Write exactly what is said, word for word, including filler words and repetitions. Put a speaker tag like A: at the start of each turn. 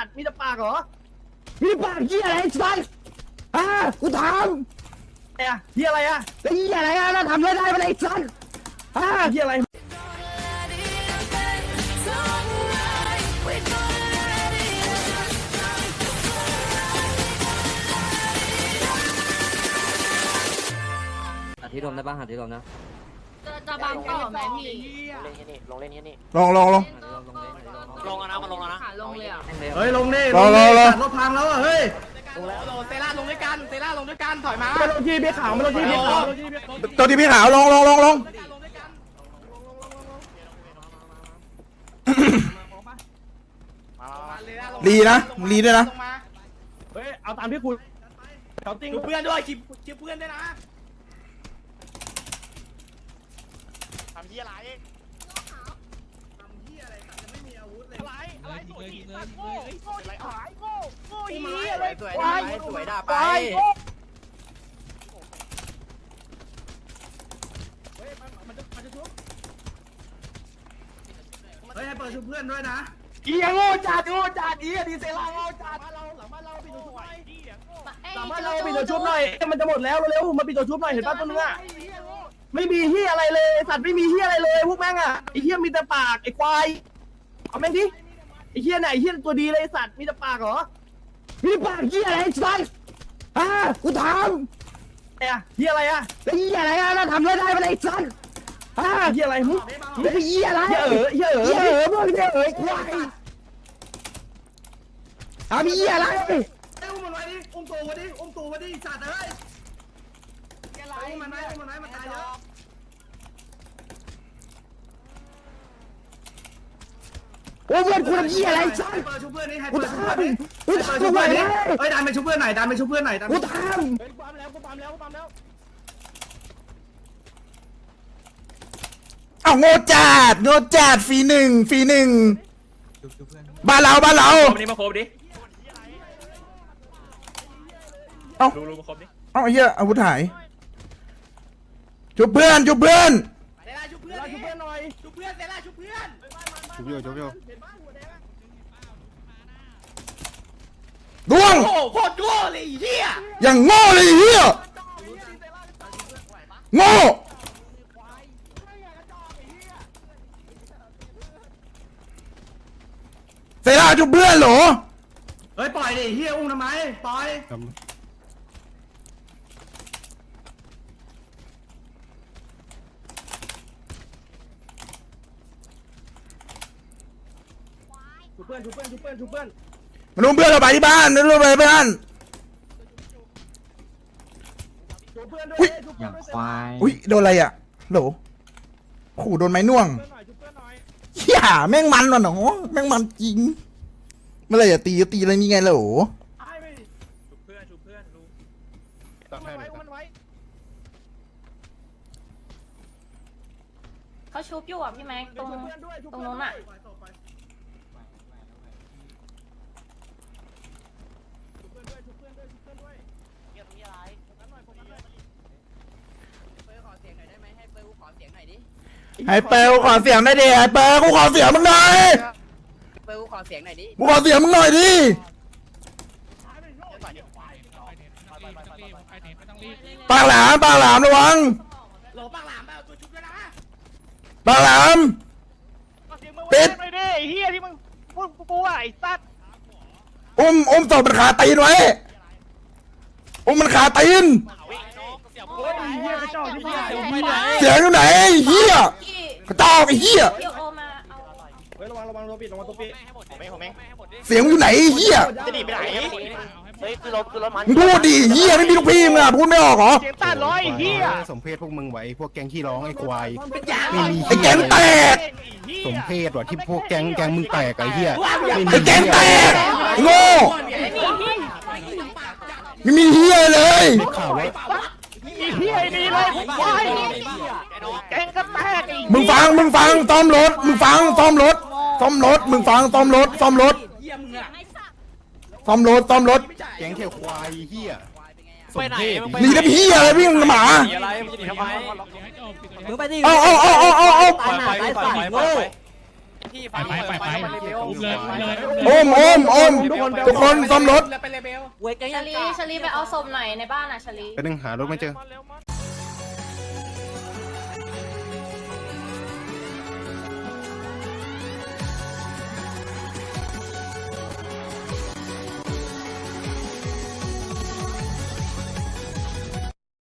A: ตว์มีแต่ปากเหรอมีปากเหี้ยอะไรสัตว์อ่ะกูถามไอ้เหี้ยอะไรอ่ะไอ้เหี้ยอะไรอ่ะเราทำได้ได้ไหมไอ้สัตว์อ่ะเหี้ยอะไร
B: หาที่รวมได้ป่ะหาที่รวมนะ
C: จะบังต่อไหมพี่
D: เล่นแค่นี้ลงเล่นแค่นี้
E: ลองลองลอง
D: ลงแล้วนะมันลงแล้วนะ
C: ขาลงเลยอ่ะ
A: เฮ้ยลงดิ
E: รอรอรอ
A: รถพังแล้วอ่ะเฮ้ย
D: ลงแล้วลงเซล่าลงด้วยกันเซล่าลงด้วยกันถอยมา
A: มาลงที่พี่ขาวมาลงที่พี่ขาว
E: ตัวที่พี่ขาวลองลองลองลองรีนะรีด้วยนะ
A: เฮ้ยเอาตามที่คุยเขาติ้ง
D: ดูเพื่อนด้วยชิปชิปเพื่อนด้วยนะทำที่อะไรทำที่อะไรจะไม่มีอาวุธเลยอะไรอะไรสวยสัตว์โง่โง่ที่หายโง่โง่อีอะไรสวยได้สวยด่าไป
A: เฮ้ยให้เปิดชุบเพื่อนด้วยนะ
D: อีโง่จัดโง่จัดอีดีเซล่าโง่จัด
A: บ้านเราหลังบ้านเราปิดตัวชุบหน่อย
C: เอ้ย
A: หลังบ้านเราปิดตัวชุบหน่อยมันจะหมดแล้วเร็วๆมาปิดตัวชุบหน่อยเห็นป่ะตัวนึงอ่ะไม่มีเฮียอะไรเลยสัตว์ไม่มีเฮียอะไรเลยพวกแม่งอ่ะไอ้เฮียมีแต่ปากไอ้ควายเอาแม่งดิไอ้เฮียไหนไอ้เฮียตัวดีเลยสัตว์มีแต่ปากเหรอมีปากเฮียอะไรสัตว์อ่ะกูถามไอ้เฮียอะไรอ่ะไอ้เฮียอะไรอ่ะเราทำได้ได้ไหมไอ้สัตว์อ่ะเฮียอะไรมึงไอ้เฮียอะไรเฮียเอ๋อเฮียเอ๋อเฮียเอ๋อมึงเฮียเอ๋อควายอ่ะมีเฮียอะไรอุ้มมันไว้ดิอุ้มตัวไว้ดิอุ้มตัวไว้ดิสัตว์เอ้ยอุ้มมันไว้อุ้มมันไว้มันตายเยอะโอ้เพื่อนกูทำเหี้ยอะไรสัสชุบเพื่อนนี่ให้เปิดชุบเพื่อนนี่เปิดชุบเพื่อนนี่เฮ้ยดันไปชุบเพื่อนหน่อยดันไปชุบเพื่อนหน่อยกูทำกูปั๊มแล้วกูปั๊มแล้วกูปั๊มแล้ว
E: อ้าวโง่จัดโง่จัดฟรีหนึ่งฟรีหนึ่งบ้านเราบ้านเรา
D: วันนี้มาครบดิ
E: เอ้า
D: ดูดูมาครบดิ
E: เอ้าไอ้เหี้ยอาวุธหายจุบเพื่อนจุบเพื่อน
D: เซล่าชุบเพื่อนชุบเพื่อนหน่อยชุบเพื่อนเซล่าชุบเพื่อน
E: จุบโยจุบโยดวง
D: โอ้โคตรโง่เลยเฮีย
E: อย่างโง่เลยไอ้เหี้ยโง่เซราจุบเพื่อนเหรอ
A: เฮ้ยปล่อยดิเฮียอุ้มทำไมปล่อยชุบเพื่อนชุบเพื่อนชุบเพื่อนชุบเพื่อน
E: มาดูเพื่อนเราไปที่บ้านมาดูไปบ้าน
A: ชุบเพื่อนด้วย
E: อุ้ย
A: ชุบเพื่อนด้วย
E: อุ้ยโดนอะไรอ่ะโหลขู่โดนไม้น่วง
A: ชุบเพื่อนหน่อย
E: เฮียแม่งมันว่ะหนอแม่งมันจริงเมื่อไรจะตีก็ตีอะไรนี่ไงโหล
A: ไอ้ไม่
D: ชุบเพื่อนชุบเพื่อนดู
A: อุ้มมันไว้อุ้มมันไว้
C: เขาชุบอยู่อ่ะพี่แม็กตรง
A: ชุบเพื่อนด้วยชุบ
C: ตรง
A: เพื่อน
C: นู้น
A: ด้ว
C: อ่ะ
A: ย
D: เงียบที่อะไรนั้นหน่อยผมนั้นหน่อยเปิดขอเสียงหน่อยได้ไหมให้เปิดขอเสียงหน่อยดิ
E: ไอ้เปลขอเสียงได้ดิไอ้เปลกูขอเสียงมึงหน่อย
D: เปิดขอเสียงหน่อยดิ
E: กูขอเสียงมึงหน่อยดิปากหลามปากหลามระวัง
D: โหลปากหลามไปเอาตัวชุบด้วยนะ
E: ปากหลาม
D: ปิดหน่อยดิไอ้เฮียที่มึงพูดกูอ่ะไอ้สัตว์
E: อุ้มอุ้มศพมันขาตีนไว้อุ้มมันขาตีน
D: เสียงพูดไอ้เฮียกระจอกที่เฮียเสียงไปไหน
E: เสียงอยู่ไหนไอ้เฮีย
C: พี่
E: กระจอกไอ้เฮีย
C: เดี๋ยวโอมาเอา
A: เฮ้ยระวังระวังตัวปิดระวังตัวปิด
D: ผมเองผมเอง
E: เสียงอยู่ไหนไอ้เฮีย
D: จะหนีไปไหนเฮ้ยคือรถคือรถมัน
E: มึงพูดดิเฮียไม่มีลูกพี่มึงอ่ะพูดไม่ออกเหรอ
D: เสียงตัดร้อยเฮีย
F: สมเพศพวกมึงไว้พวกแก๊งขี้ร้องไอ้ควาย
D: เป็นยา
F: ไม่มี
E: ไอ้แกงแตก
F: สมเพศว่ะที่พวกแก๊งแก๊งมึงแตกไอ้เหี้ย
E: ไอ้แกงแตกไอ้โง่ไม่มีเฮียเลย
F: ได้ข่าวว่า
D: อีเฮียนี่เลยควายแกงก็แตก
E: มึงฟังมึงฟังซ่อมรถมึงฟังซ่อมรถซ่อมรถมึงฟังซ่อมรถซ่อมรถ
D: เฮียมึงอะ
E: ซ่อมรถซ่อมรถ
F: แก๊งเที่ยวควายเหี้ยส
D: ไป
F: ม
D: ไหน
F: เพศ
D: มึง
E: หนีได้พี่อะไรพี่มึงหมา
D: อะไรมึงจะหนีทำไม
B: มึงไปดิ
E: เอาเอาเอาเอาเอาเอา
B: ตายหาตายฝ่ายโง่
D: ไที่ไฟ
B: ไปไปไป
D: ไฟเลเวล
B: เลยเลย
E: โอมโอมโอมทุกคนซ่อมรถ
C: ชลีชลีไปเอาศพหน่อยในบ้านอ่ะชลี
F: ไปนึงหารถไม่เจอ
D: เร็วมา